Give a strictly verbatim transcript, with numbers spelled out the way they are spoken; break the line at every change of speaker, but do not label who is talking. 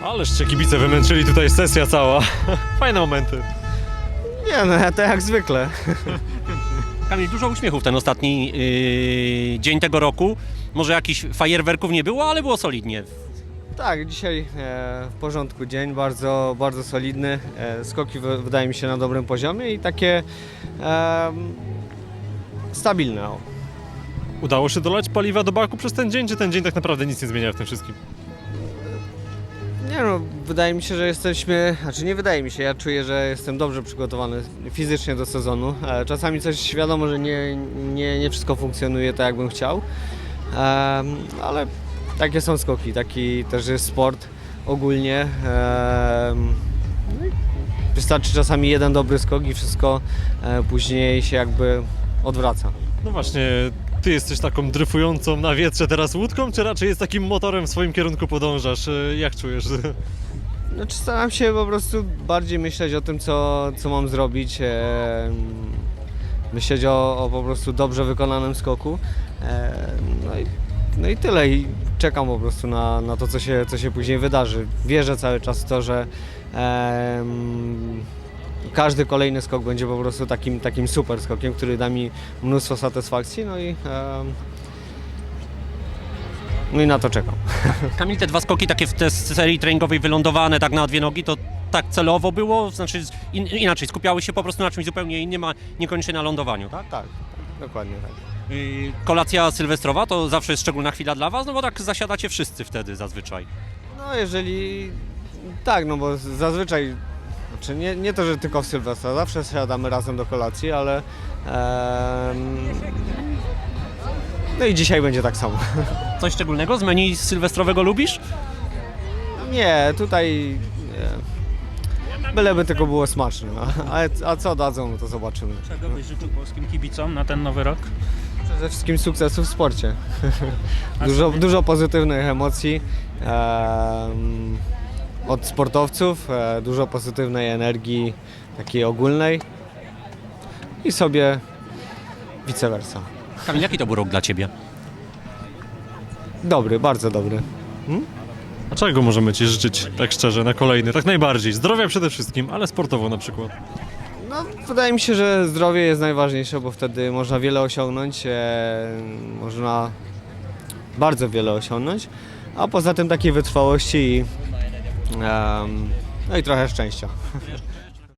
Ależ cię kibice wymęczyli, tutaj sesja cała. Fajne momenty.
Nie no, to jak zwykle.
Kamil, dużo uśmiechów ten ostatni yy, dzień tego roku. Może jakichś fajerwerków nie było, ale było solidnie.
Tak, dzisiaj e, w porządku dzień, bardzo, bardzo solidny. E, skoki w, wydaje mi się na dobrym poziomie i takie e, stabilne. O.
Udało się dolać paliwa do baku przez ten dzień, czy ten dzień tak naprawdę nic nie zmienia w tym wszystkim?
Nie no, wydaje mi się, że jesteśmy, znaczy nie wydaje mi się, ja czuję, że jestem dobrze przygotowany fizycznie do sezonu. E, czasami coś wiadomo, że nie, nie, nie wszystko funkcjonuje tak, jakbym chciał, e, ale takie są skoki, taki też jest sport ogólnie. E, no i wystarczy czasami jeden dobry skok i wszystko e, później się jakby odwraca.
No właśnie, ty jesteś taką dryfującą na wietrze teraz łódką, czy raczej jest takim motorem w swoim kierunku podążasz? E, Jak czujesz?
Znaczy staram się po prostu bardziej myśleć o tym, co, co mam zrobić, e, myśleć o, o po prostu dobrze wykonanym skoku. E, no, i, no i tyle. I czekam po prostu na, na to, co się, co się później wydarzy. Wierzę cały czas w to, że e, każdy kolejny skok będzie po prostu takim, takim super skokiem, który da mi mnóstwo satysfakcji. No i, e, no i na to czekam.
Kamil, te dwa skoki takie w tej serii treningowej wylądowane tak na dwie nogi, to tak celowo było? Znaczy in, inaczej, skupiały się po prostu na czymś zupełnie innym, a niekoniecznie na lądowaniu, tak?
Tak, dokładnie tak.
Yy, kolacja sylwestrowa to zawsze jest szczególna chwila dla was, no bo tak zasiadacie wszyscy wtedy zazwyczaj.
No jeżeli, tak, no bo zazwyczaj, znaczy nie, nie to, że tylko w Sylwestra, zawsze siadamy razem do kolacji, ale em, no i dzisiaj będzie tak samo.
Coś szczególnego z menu sylwestrowego lubisz?
Nie, tutaj nie. Byleby tylko było smaczne, a, a co dadzą, no to zobaczymy.
Czego byś życzył polskim kibicom na ten nowy rok?
Przede wszystkim sukcesu w sporcie. Dużo, dużo pozytywnych emocji em, od sportowców, e, dużo pozytywnej energii takiej ogólnej i sobie vice versa.
Kamil, jaki to był rok dla ciebie?
Dobry, bardzo dobry.
A czego możemy ci życzyć, tak szczerze, na kolejny? Tak najbardziej. Zdrowia przede wszystkim, ale sportowo na przykład.
No, wydaje mi się, że zdrowie jest najważniejsze, bo wtedy można wiele osiągnąć, e, można bardzo wiele osiągnąć, a poza tym takiej wytrwałości i, em, no i trochę szczęścia.